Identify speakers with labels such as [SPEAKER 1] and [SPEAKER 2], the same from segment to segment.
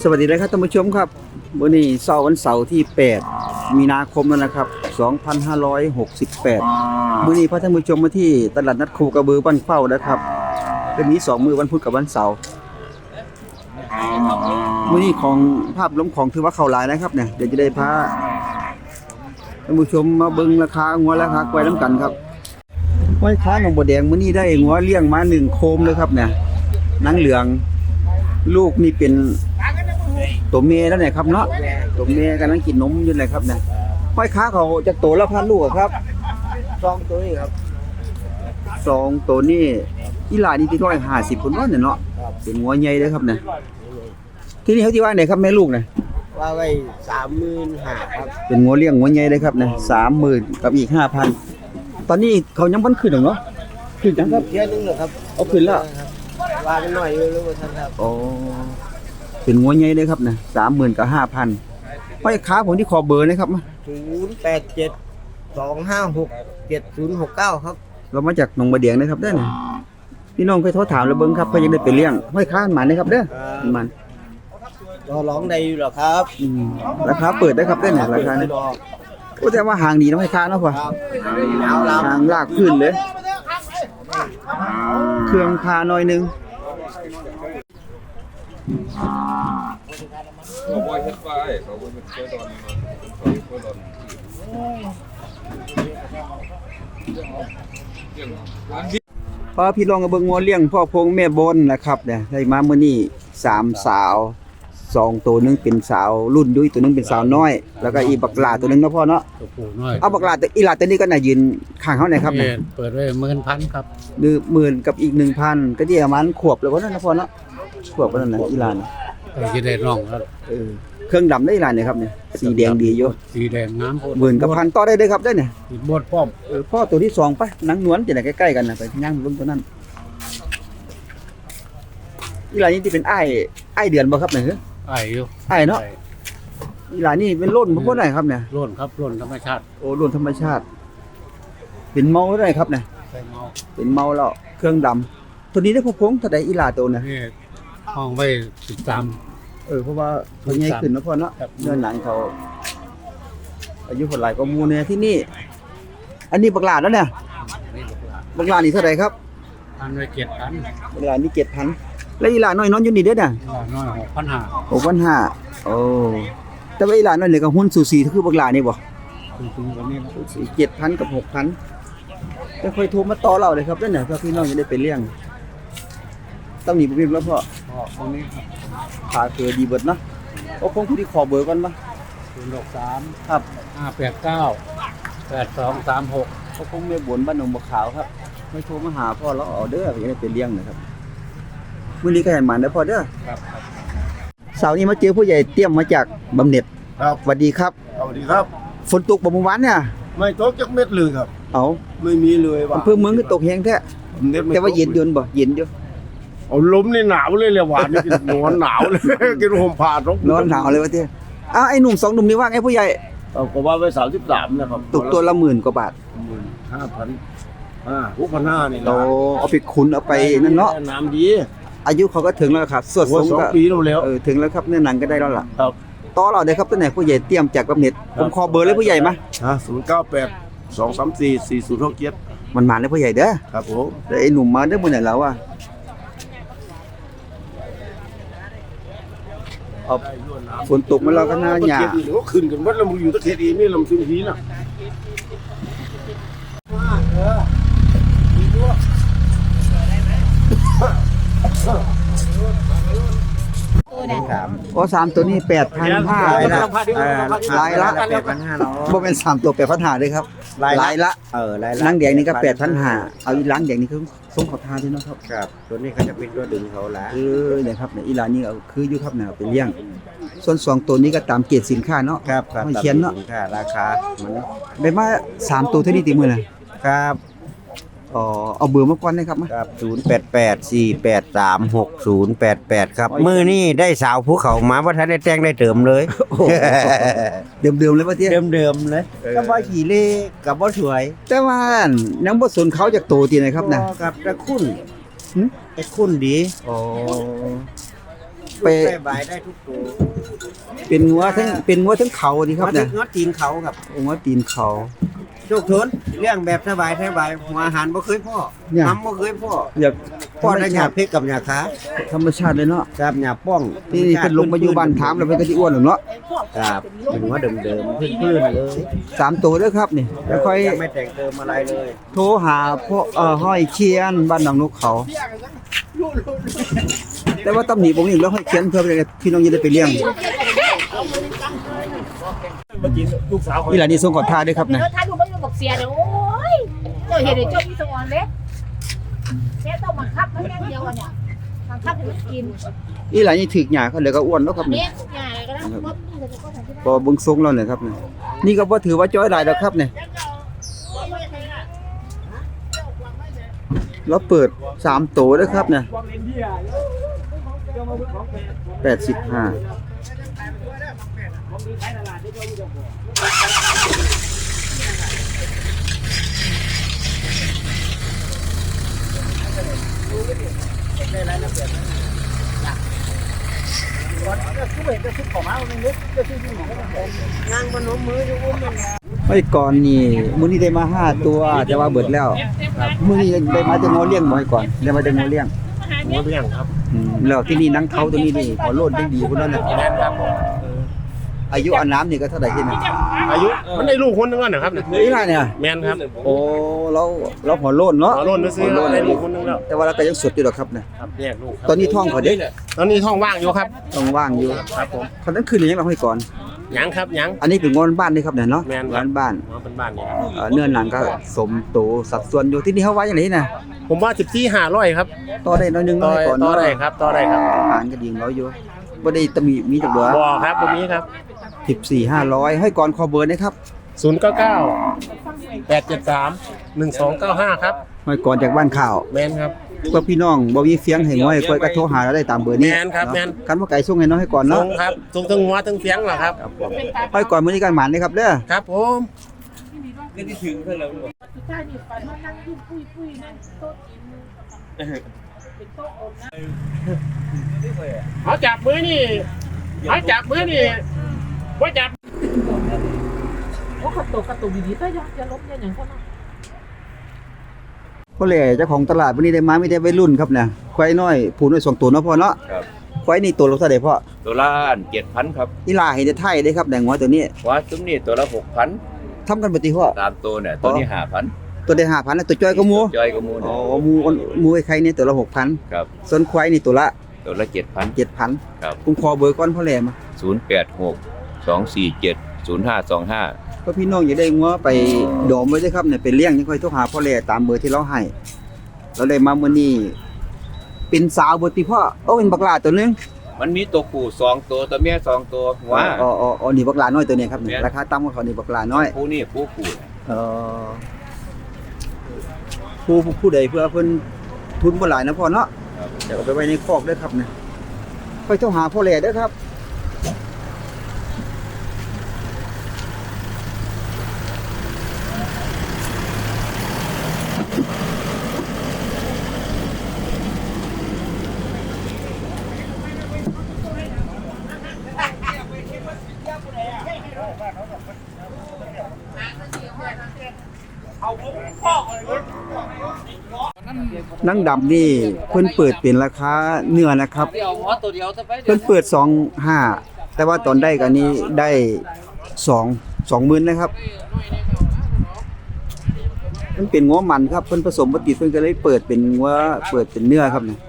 [SPEAKER 1] วัสดีนะครับท่านผู้ชมครับวันนี้วันเสาร์ที่8มีนาคมแล้วนะครับ2568มื้อนี้พาท่านผู้ชมมาที่ตลาดนัดคูกระบือบ้านเข้านะครับเป็นนี้2มื้อวันพุธกับวันเสาร์มื้อนี้ของภาพล้มของถือว่าเข้าหลายนะครับเนี่ยเดี๋ยวจะได้พาท่านผู้ชมมาเบิ่งราคางัวราคาควายน้ำกันครับห้อยค้าหนองบัวแดงมื้อนี้ได้งัวเลี้ยงมา1โคมเลยครับเนี่ยนางเหลืองลูกนี่เป็นตัวเมียแล้วเนี่ยครับเนาะตัวเมียกำลังกินนมอยู่เลยครับเนี่ยห้อยค้าเขาจะโตแล้วพันลูกครับ2ตัวนี้ครับ2ตัวนี้อีหลานี่ที่150คนว่าเนี่ยเนาะเป็นงัวใหญ่เลยครับเนี่ยที่นี่เขาที่ว่าไหนครับแม่ลูกเนี่ย
[SPEAKER 2] ว่าไว้35,000ครับ
[SPEAKER 1] เป็นงัวเลี้ยงงัวใหญ่เลยครับเนี่ย30,000กับอีก5,000ตอนนี้เขายังบ่ขึ้นหรอกเนาะขึ้นจังครับ
[SPEAKER 2] เที่ยนึงเหรอครับ
[SPEAKER 1] เอาขึ้นแล้ว
[SPEAKER 2] ว่ากันหน่อยอยู่รู้ท่านครับ
[SPEAKER 1] อ๋อเป็นงัวใหญ่เลยครับเนี่ย30,000กับ5,000ห้อยค้าผมที่ขอเบอร์นะครับ
[SPEAKER 2] 0872567069ครับ
[SPEAKER 1] เรามาจากหนองบัวแดงนะครับเด้อพี่น้องไปโทรถามแล้วเบิ่งครับเพิ่นยังได้ไปเลี้ยงห้อยค้าหมันนะครับเด้อมัน
[SPEAKER 2] รอร้องได้อยู่หรอครับ
[SPEAKER 1] ราคาเปิดได้ครับเด้อเนี่ยราคาเนี่ยโอ้แต่ว่าห่างดีนะห้อยค้าเนาะพ่อห่างลากพื้นเลยเครื่องคาหน่อยนึง
[SPEAKER 3] เขาบ่เฮ็ดไว้เขาบ่เฮ็ดเพื่อดอนเขาเฮ็ดเพื่อดอน
[SPEAKER 1] พอพี่ลองกับเบิ่งงัวเลี้ยงพ่อพงแม่บนนะครับเนี่ยได้มามื้อนี้3สาว2ตัวนึงเป็นสาวรุ่นดุ้ยตัวนึงเป็นสาวน้อยแล้วก็อีบักหลาตัวนึงเนาะพ่อเนาะ
[SPEAKER 4] ตัวผู้น้อย
[SPEAKER 1] เอาบักหลาตัวอีหลาตัวนี้ก็น่ายืนข้างเฮาเนี่ยครับเนี่ย
[SPEAKER 4] เปิดไว้10,000ครับ
[SPEAKER 1] 10,000กับอีก 1,000ก็ที่ประมาณขวบแล้วบ่นั่นนะพ่อเนาะขวบบ่นั่นน่ะอีหลาน่ะ
[SPEAKER 4] ก็สิได้น้องครับ
[SPEAKER 1] เครื่องดำได้อีหลาเนี่ยครับเนี่ยสีแดงดีอยู่
[SPEAKER 4] สีแดงงามโพด
[SPEAKER 1] 10,000กับ1,000ต่อได้เด้อครับเด้อเนี่ย
[SPEAKER 4] ติดบดพร้อม
[SPEAKER 1] พ่อตัวที่2ไปนางนวลจะได้ใกล้ๆกันน่ะไปย่างเบิ่งตัวนั้นอีหลานี่ที่เป็นอ้ายเดือนบ่ครับเนี่ย
[SPEAKER 4] อ้ายอยู่
[SPEAKER 1] อ้ายเนาะอีหลานี่เป็นโล้นบ่ได้ครับเนี่ย
[SPEAKER 4] โล้นครับโล้นธรรมชาติ
[SPEAKER 1] โอ้โล้นธรรมชาติเป็นเมาได้ครับเนี่ย
[SPEAKER 4] ใส่เมา
[SPEAKER 1] เป็นเมาแล้วเครื่องดำตัวนี้ได้พงเท่าใดอีหลาตัวน่ะ
[SPEAKER 4] นี่ห้องไว้13
[SPEAKER 1] เพราะว่าเขาใหญ่ขึ้นเนาะพ่อเนาะเนื้อหนังเขาอายุเท่าไหร่ก็มูเนี่ยที่นี่อันนี้บักหลาแล้วเนี่ยบักหลานี่เท่าไหร่ครับ
[SPEAKER 4] อันไว้7,000
[SPEAKER 1] บักหลานี่7,000แล้วอีหลาน้อยนอนอยู่นี่เด้อน่ะ
[SPEAKER 4] น้อย
[SPEAKER 1] 6,500โอ้แต่ว่าอีหลาน้อยนี่ก็หุ้นสูสีคือบักหลานี่บ่
[SPEAKER 4] สูงกว่านี้นะ
[SPEAKER 1] 7,000กับ 6,000จะค่อยโทรมาต่อเราเลยครับเด้อเนี่ยเพื่อพี่น้องจะได้ไปเลี้ยงต้องหนีบ่มีแล้วพ่อ
[SPEAKER 4] ตรงนี้ครับ
[SPEAKER 1] ขาเคือดีเบิดเนาะโอ้คงผู้ที่ขอเบอร์ก่อนบ่
[SPEAKER 4] 063
[SPEAKER 1] ครับ
[SPEAKER 4] 589 8236
[SPEAKER 1] ก็คงแม่บนบ้านหนองบัวขาวครับไม่โทรมาหาพ่อแล้วเอาเด้อจะได้ไปเลี้ยงนะครับมื้อนี้ก็ให้หมันเด้อพ่อเด้อ
[SPEAKER 4] ครับ
[SPEAKER 1] เสาร์นี้มาเจอผู้ใหญ่เตรียมมาจากบำเหน็จ
[SPEAKER 2] ครับ
[SPEAKER 1] สวัสดีครับ
[SPEAKER 2] สวัสดีครับ
[SPEAKER 1] ฝนตกบ่เมื่อวานเนี่ย
[SPEAKER 2] ไม่ตกจักเม็ดเลยครับ
[SPEAKER 1] เอา
[SPEAKER 2] ไม่มีเลยว่ะ
[SPEAKER 1] อำเภอเมืองก็ตกแฮงแท้แต่ว่าเย็นยนบ่เย็นอยู่
[SPEAKER 2] เอาลมนี่หนาวเลยหวานนี่กินนอนหนาวเลยกินห่มผ้าน
[SPEAKER 1] อนหนาวเลยว่าเด้อ้าวไอ้หนุ่ม2หนุ่มนี่ว่าไงผู้ใหญ่
[SPEAKER 2] ก็ว่าไว้33นะครับ
[SPEAKER 1] ตกตัวละ10,000กว่าบาท
[SPEAKER 2] 5,000 6,500นี่
[SPEAKER 1] โตเอาไปขุนเอาไปนั่นเนาะ
[SPEAKER 2] น้ำดี
[SPEAKER 1] อายุเขาก็ถึงแล้วครับสวดสงก็
[SPEAKER 2] 2 ปีแล้ว
[SPEAKER 1] ถึงแล้วครับเนื้อหนังก็ได้แล้วล่ะ
[SPEAKER 2] ครับ
[SPEAKER 1] ต่อเราได้ครับตัวไหนผู้ใหญ่เตรียมจากบำเหน็จผมขอเบอร์เลยผู้ใหญ่มา
[SPEAKER 2] 098 234 4067
[SPEAKER 1] มันมาเลยผู้ใหญ่เด้อ
[SPEAKER 2] ครับผม
[SPEAKER 1] แล้วไอ้หนุ่มมาเด้อมื้อไหนแล้วอ่ะฝนตกมาแล้วก็หน้าหยา
[SPEAKER 2] ก็ขึ้นกันวัดแล้วมึงอยู่ตะเคียนอีนี่ลำซึมทีน่ะ
[SPEAKER 1] โอ้3ตัวนี้ 8,500นะลายละ8,500บ่แม่น3ตัว8,500เด้อครับลายละล้างแดงนี่ก็8,500เอาอีล้างแดงนี่คือส่งเขาทาด้วยเนาะครับ
[SPEAKER 2] ครับตัวนี้เขาจะเป็นตัวดึงเขาละ
[SPEAKER 1] เนี่ยครับเนี่ยอีหลานนี่เอาคืออยู่ครับเนี่ยไปเลี้ยงส่วน2ตัวนี้ก็ตามเกรดสินค้าเนาะ
[SPEAKER 2] ครับ
[SPEAKER 1] ไม่เขียนเนาะ
[SPEAKER 2] สินค้าราคามัน
[SPEAKER 1] ได้มา3ตัวเท่านี้ติมื้อน่ะ
[SPEAKER 2] ครับ
[SPEAKER 1] เอาเบอร์มาก่อนนะครับมา
[SPEAKER 2] ครับ0884836088ครับมื้อนี้ได้สาวภูเขามาบ่ทันได้แต่งได้เติมเลย
[SPEAKER 1] เดิมๆเลยว่าเตี้ย
[SPEAKER 2] เดิมๆเลยก็บ่ขี้เล่ก็บ่สวย
[SPEAKER 1] แต่ว่ายังบ่สนเขาจากโตตินะครับน่ะ
[SPEAKER 2] ครับแต่คุณดี
[SPEAKER 1] อ๋อไป
[SPEAKER 5] ได้ใบได้ทุกตัว
[SPEAKER 1] เป็นงัวทั้งเขาดีครับเนี่ย
[SPEAKER 5] งอตีนเขาครับ
[SPEAKER 1] งัวตีนเขา
[SPEAKER 5] โชคทนเรื่องแบบสบายหัวอาหารบ่เคยพ่อ
[SPEAKER 1] เนี่ย
[SPEAKER 5] น้ำบ่เคยพ่อ
[SPEAKER 1] อยาก
[SPEAKER 5] พ่อได้หยาเพชรกับหยาขา
[SPEAKER 1] ธรรมชาติเลยเนาะ
[SPEAKER 5] ครับหยาป้อง
[SPEAKER 1] ที่นี่เพิ่นลงมาอยู่บ้านถามแล้วเพิ่นก็สิอ้วนหรอกเนาะ
[SPEAKER 5] ครับเป็นหัวเดิมพื้นๆเลย
[SPEAKER 1] 3ตัวเด้อครับนี่แล้วค่อย
[SPEAKER 5] ยังไม่แต่งเติมอะไรเลย
[SPEAKER 1] โทรหาพ่อห้อยเคียนบ้านหนองนกเขา แต่ว่าตำหนิผมอีกแล้วห้อยเคียนเพื่อพี่น้องจะได้ไปเลี้ยงนี่แหละนี่ส่งก่อนท่าด้วยครับนะ
[SPEAKER 6] ถ้าดูไม่ดูบอกเสียเดี๋ยวโอ้ยเจ้าเห็นเดี๋ยวเจ้ามีสมองเล็กแค่ต้องบังคับมันแค่เดียวอ่ะเนี่ยบังคับให้มันกิน
[SPEAKER 1] นี่แหละนี่ถึกหญ้าเขาเลยก็อ้วนแล้วครับนี่
[SPEAKER 6] เนี่ยง่ายก็ได้มดนี่จะก็ทำที่บ้าน
[SPEAKER 1] พอเบิ่งทรงแล้วเนี่ยครับนี่ก็บ่ถือว่าจ้อยหลายแล้วครับเนี่ยเราเปิด3ตัวด้วยครับเนี่ย85ไว้ก่อนนี่มื้อนี้ได้มา5ตัวแต่ว่าเบิดแล้วมื้อนี้ได้มาแต่งอเลี้ยงบ่ให้ก่อนได้มาแต่งอเลี้ยง
[SPEAKER 2] หัวเลี้ยงครับ
[SPEAKER 1] แล้วที่นี่นังเขาตัวนี้นี่พอโลดได้ดีพุ่นนั่นน่ะ
[SPEAKER 2] แม่นครับผม
[SPEAKER 1] อายุอันน้ำนี่ก็เท่าไหร่ที่นี่
[SPEAKER 2] อายุมันได้ลูกคนหนึงแล้วนะครับเนี่ย
[SPEAKER 1] นี่ล่ะเนี่ย
[SPEAKER 2] แม่นครับ
[SPEAKER 1] โอ้เราพอโลดเนาะ
[SPEAKER 2] ขอโลนซื้อๆได้ลูกคนหนึงแล้ว
[SPEAKER 1] แต่ว่าเราก็ยังสดอยู่ดอกครับเนี่ย
[SPEAKER 2] ครับแยกลูกครับ
[SPEAKER 1] ตอนนี้ท้องเขาเด้
[SPEAKER 2] ตอนนี้ท้องว่างอยู่ครับ
[SPEAKER 1] ต้องว่างอยู่
[SPEAKER 2] ครับผม
[SPEAKER 1] เขานั้นคืนยังเราให้ก่อน
[SPEAKER 2] ยังครับยัง
[SPEAKER 1] อันนี้เป็นงอนบ้านนี่ครับเนี่ยเนาะ
[SPEAKER 2] แม่นครับ
[SPEAKER 1] ร้านบ้าน
[SPEAKER 2] มาเป็นบ้านนี่
[SPEAKER 1] เนื้อหนังก็สมโตสัดส่วนอยู่ที่นี่เขาไว้อย่างไรนะ
[SPEAKER 2] ผมว่า14,500ครับ
[SPEAKER 1] ต่อได้น้อยหนึง
[SPEAKER 2] ต่อ
[SPEAKER 1] ให้ก่อน
[SPEAKER 2] ต่อ
[SPEAKER 1] เนาะ
[SPEAKER 2] ได้ครับต่อได้ครับ
[SPEAKER 1] อาหารก็ดีของเราอยู่บ่ได้ตะมีจักเบอร์
[SPEAKER 2] บ่ครับตรงนี้ครับ
[SPEAKER 1] 14,500ให้ก่อนขอเบอร์นะครับ
[SPEAKER 2] 099 873 1295ครับ
[SPEAKER 1] ให้ก่อนจากบ้านข่าว
[SPEAKER 2] แม่นครับ
[SPEAKER 1] เพื่อพี่น้องบ่มีเสียงให้ง่อยค่อยก็โทรหาเราได้ตามเบอร์นี้
[SPEAKER 2] แม่นครับแม่น
[SPEAKER 1] คันว่าไก่ส่งให้น้องให้ก่อน
[SPEAKER 2] ส่
[SPEAKER 1] เนาะ
[SPEAKER 2] งครับส่งทั้งหัวทั้งเสียงเหรอครับ
[SPEAKER 1] ให้ก่อนมื้อนี้กันหมานเลยครับเด้อ
[SPEAKER 2] ครับผม
[SPEAKER 6] สุดท้ายนี่ฝันว่านั่งยุ่งปุ้ยนั่งโต๊ะกินเป็นโต๊ะอมนะ
[SPEAKER 2] เอาจับมือนี่เอาจับมือนี่ว่าจับ
[SPEAKER 6] โอ้กระตุกดีๆแต่อย่าล้มอย่าอย่างคนนั้น
[SPEAKER 1] พ่อแหล่เจ้าของตลาดวันนี้ได้มามีแต่วัยรุ่นครับเนี่ยควายน้อยผูน้อย2ตัวเนาะพ่อเนาะ
[SPEAKER 3] ครับ
[SPEAKER 1] ควายนี่ตัวละเท่าใดพ่อ
[SPEAKER 3] ตัวละ7,000ครับ
[SPEAKER 1] อีหลาเห็นแต่ไทยเด้ครับแดงหัวตัวนี้
[SPEAKER 3] ว่าซุ้มนี่ตัวละ6,000
[SPEAKER 1] ทำกันบ่ติพ่อ
[SPEAKER 3] ตามตัวเนี่ยตัวนี้5,000
[SPEAKER 1] ตัวได้ 5,000แล้วตัวจ้อยก็หมู
[SPEAKER 3] จอยก็มู
[SPEAKER 1] อ๋
[SPEAKER 3] เนี่
[SPEAKER 1] อย หมูไอ้ไข่นี่ตัวละ 6,000
[SPEAKER 3] ครับ
[SPEAKER 1] ส่วนควายนี่ตัวละ
[SPEAKER 3] ตัวละ7,000
[SPEAKER 1] 7,000
[SPEAKER 3] ครับ
[SPEAKER 1] ผมขอเบอร์ก่อนพ่อแหลมา
[SPEAKER 3] 086 247 0525
[SPEAKER 1] ก็พี่น้องอย่าได้งัวไปดอมไว้เด้อครับเนี่ยไปเลี้ยงยังค่อยโทรหาพ่อแหลตามเบอร์ที่เราให้เราได้มามื้อนี้เป็นสาวบ่ติพ่อเป็นบักหลาตัวนึง
[SPEAKER 3] มันมีตัวผู้2ตัวตัวเมีย2ตัวหัว
[SPEAKER 1] อ๋อนี่บักหลาน้อยตัวนี้ครับเนี่ย
[SPEAKER 3] แม่น
[SPEAKER 1] ราคาต่ำกว่าเขานี่บักหลาน้อย
[SPEAKER 3] ผู้นี่ผู้ผู้
[SPEAKER 1] เอ่อผู้ใดเพื่อเพิ่นทุนบ่หลายนะพ่อเนาะ
[SPEAKER 3] ครับ
[SPEAKER 1] เดี๋ยวเอาไปไว้ในคอกเด้อครับเนี่ยค่อยโทรหาพ่อแหลเด้อครับ นังดำนี่เพิ่นเปิดเป็นราคาเนื้อนะครับ เพิ่นเปิด25,000แต่ว่าตอนได้กันนี้ได้20,000นะครับมันเป็นงัวมันครับเพิ่นผสมบ่ติดเพิ่นก็เลยเปิดเป็นงัวเปิดเป็นเนื้อครับเนี่ย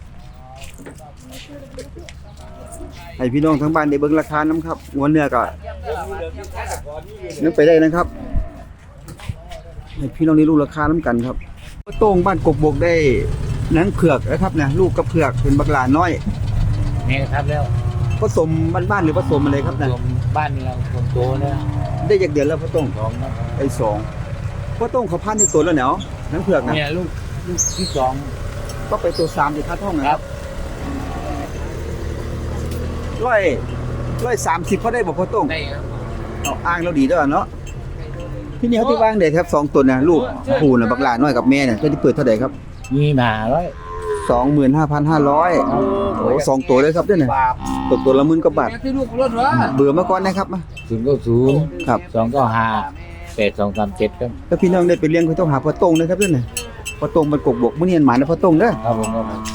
[SPEAKER 1] ให้พี่น้องทั้งบ้านได้เบิ่งราคานํครับงัวเนื้อก็นึกไปได้นะครับให้พี่น้องได้รู้ราคานํกันครับโต้งบ้านกกบกได้หนังเผือกนะครับเนี่ยลูกกับเผือกเป็นบักหลาน้อย
[SPEAKER 4] นี่ครับแล้ว
[SPEAKER 1] ผสมบ้านๆหรือผสมอะไรครับเนี่ย
[SPEAKER 4] รวมบ้านเราคนโตแล้ว
[SPEAKER 1] ได้จากเดือนแล้วพ่อโต้ง
[SPEAKER 4] 2นะ
[SPEAKER 1] ไอ้2พ่อโต้งเขาพันในตัวแล้วเนาะหนังเผือกนะ
[SPEAKER 4] เนี่ยลูกที่2
[SPEAKER 1] ก็ไปตัว3ที่ค่าท้องนะครับ130เขาได้บ่พ่อโต้ง
[SPEAKER 4] ได้ครับ
[SPEAKER 1] เอาอ้างเราดีด้วยเนาะที่นี่เขาที่ว่างเด็ดครับ2ตัวน่ะลูกผู้น่ะบักหลาน้อยกับแม่เนี่ยจะได้เปิดเท่าใดครับ
[SPEAKER 4] มีหมาร้อย
[SPEAKER 1] 25,500โอ้สองตัวเลยครับเด้อเนี่ยตัวละ10,000กว่าบาทเบื่อมาก่อนนะครับมา
[SPEAKER 4] 090
[SPEAKER 1] ครับ
[SPEAKER 4] 295 8237ครับ
[SPEAKER 1] ถ้าพี่น้องได้ไปเลี้ยงก็ต้องหาพ่อตงนะครับเด้อเนี่ยพ่อตงมันกกบกมื้อนี้หมานะพ่อตงเด้อ
[SPEAKER 4] ครับผมครับ